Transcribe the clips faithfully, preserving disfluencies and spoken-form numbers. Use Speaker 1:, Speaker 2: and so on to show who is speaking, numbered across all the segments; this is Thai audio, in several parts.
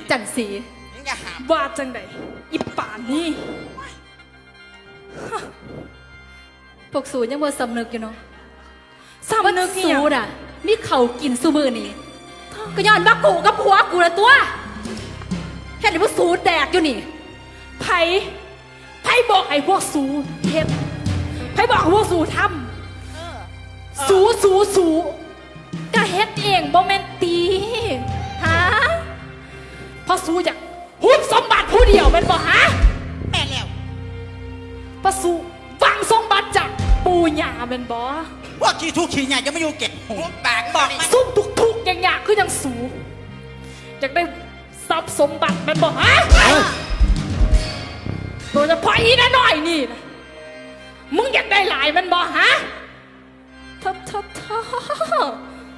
Speaker 1: จันสีว่าจังไดอีป่านนี่พวกสูยังบ่สำนึกอยู่เนาะสำนึกสูน่ะมีเขากินซูมือนี่ก็ย้อนว่ากูกับผัวกูละตัวเห็นว่าสูแดกอยู่นี่ไผไผบอกไอ้พวกสูเฮ็ดไผบอกพวกสูทำสูสูสูก็เฮ็ดเองบ่แม่นตีฮะเพราะสูอยากหุบสมบัติผู้เดียวเป็นบ่ฮะ
Speaker 2: แม่แล้ว
Speaker 1: เพราะสูฟังสมบัติจากปู่ย่าเป็นบ่
Speaker 2: พวกขี้ทุกขี้ใหญ่จะไม่อยู่เก็บหัวปากบอก
Speaker 1: ซุ่มทุกๆอย่างๆคือยังสูอยากได้ทรัพย์สมบัติเป็นบ่ฮะโดยเฉพาะอีน้อยนี่นะมึงอยากได้หลายมันบ่ฮะทับทับทับ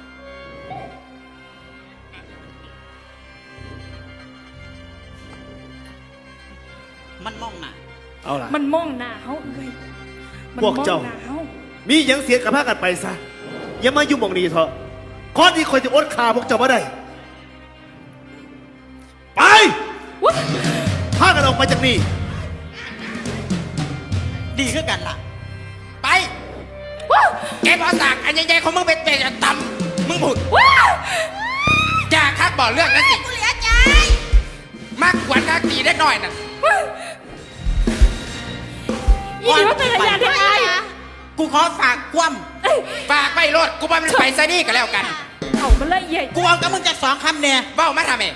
Speaker 2: มันมองหน้า
Speaker 3: เอาล่ะ
Speaker 1: มันมองหน้าเขาเอ้ย
Speaker 3: พวกเจ้ามียังเสียกับพากันไปซะอย่ามายุ่งมองนี้เถอะข้อที่คอยจะอดขาพวกเจ้ามาได้ไปพากันออกไปจากนี่
Speaker 2: ดีขึ้นกันล่ะไปแกบอสากอันใหญ่ๆของมึงเป็นเป็นต่ำมึงผุดจ่าคักบอกเรื่องนั้นสิกูเหลือใจมากกว่าคักตีได้หน่อยน่ะ
Speaker 1: อีนี่ว่าเป็นอะไรได้ไง
Speaker 2: กูขอฝากคว่ำฝากไปรถกูว่ามันไปซะนี่ก็แล้วกัน
Speaker 1: เอามันละเอียด
Speaker 2: กูเอากับมึงจะสองคำเนี่ยเบ้ามาทำเอง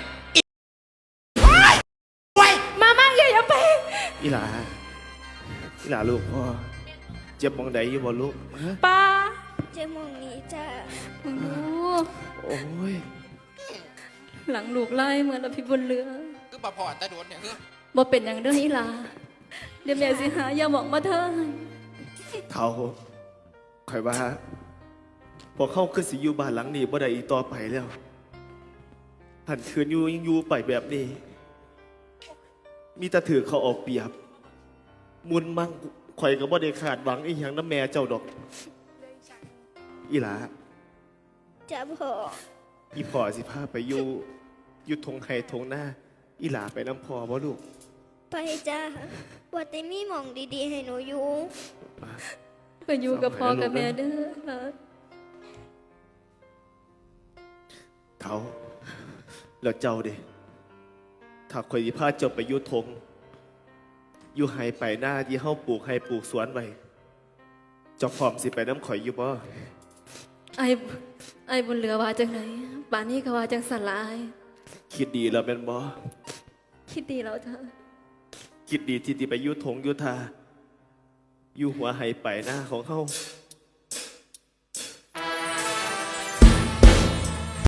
Speaker 1: มามั่งใหญ่ยังไป
Speaker 3: อีหลาอีหลาลูกพ่อเจ็บมองใดอยู่บ่ลูก
Speaker 1: ป้า
Speaker 4: เจ็บมองนี้จ้า
Speaker 1: มึงดู
Speaker 3: โอ้ย
Speaker 1: หลังลูกไล่เหมือนละพี่บนเรือ
Speaker 2: คือบ่พอตะโดนเนี่ยเฮ้ย
Speaker 1: บ่เป็นอย่างเรื่องอีหลาเดี๋ยวแม่สิหาอย่าบอกมาเถอะ
Speaker 3: เท่าคอยว่าพอเข้าขึ้นสิอยู่บ้านหลังนี้บ่ได้อีกต่อไปแล้วหันคืนอยู่ยังอยู่ไปแบบนี้มีแต่ถือเขาออกเปรียบมุนมั่งข่อยก็บ่ได้ขาดหวังอีหยังน้ำแม่เจ้าดอกอีหลา
Speaker 4: จะพ่อ
Speaker 3: อีพ่อสิพาไปอยู่อยู่ทงไห้ทงหน้าอีหลาไปน้ำพ่อบ่ลูก
Speaker 4: ไปจ้าว่าแต่มีหมองดีๆให้หนูอยู่
Speaker 1: ก็อยู่กับพ่อกับแม่เด้อ
Speaker 3: เท่าแล้วเจ้าเด้ถ้าข่อยสิพาเจ้าไปอยู่ทงอยู่ไห้ไปหน้าที่เฮาปลูกไห้ปลูกสวนไว้เจ้าพร้อมสิไปน้ำข่อยอยู่บ่
Speaker 1: ไอ้ไอ้บนเรือว่าจังไหนป่านนี้ก็ว่าจังสลาย
Speaker 3: คิดดีแล้วเป็นบ่
Speaker 1: คิดดีแล้วเธอ
Speaker 3: คิดดีที่ที่ไปอยู่ทงอยู่ทาอยู่หัวไห้ไปหน้าของเฮา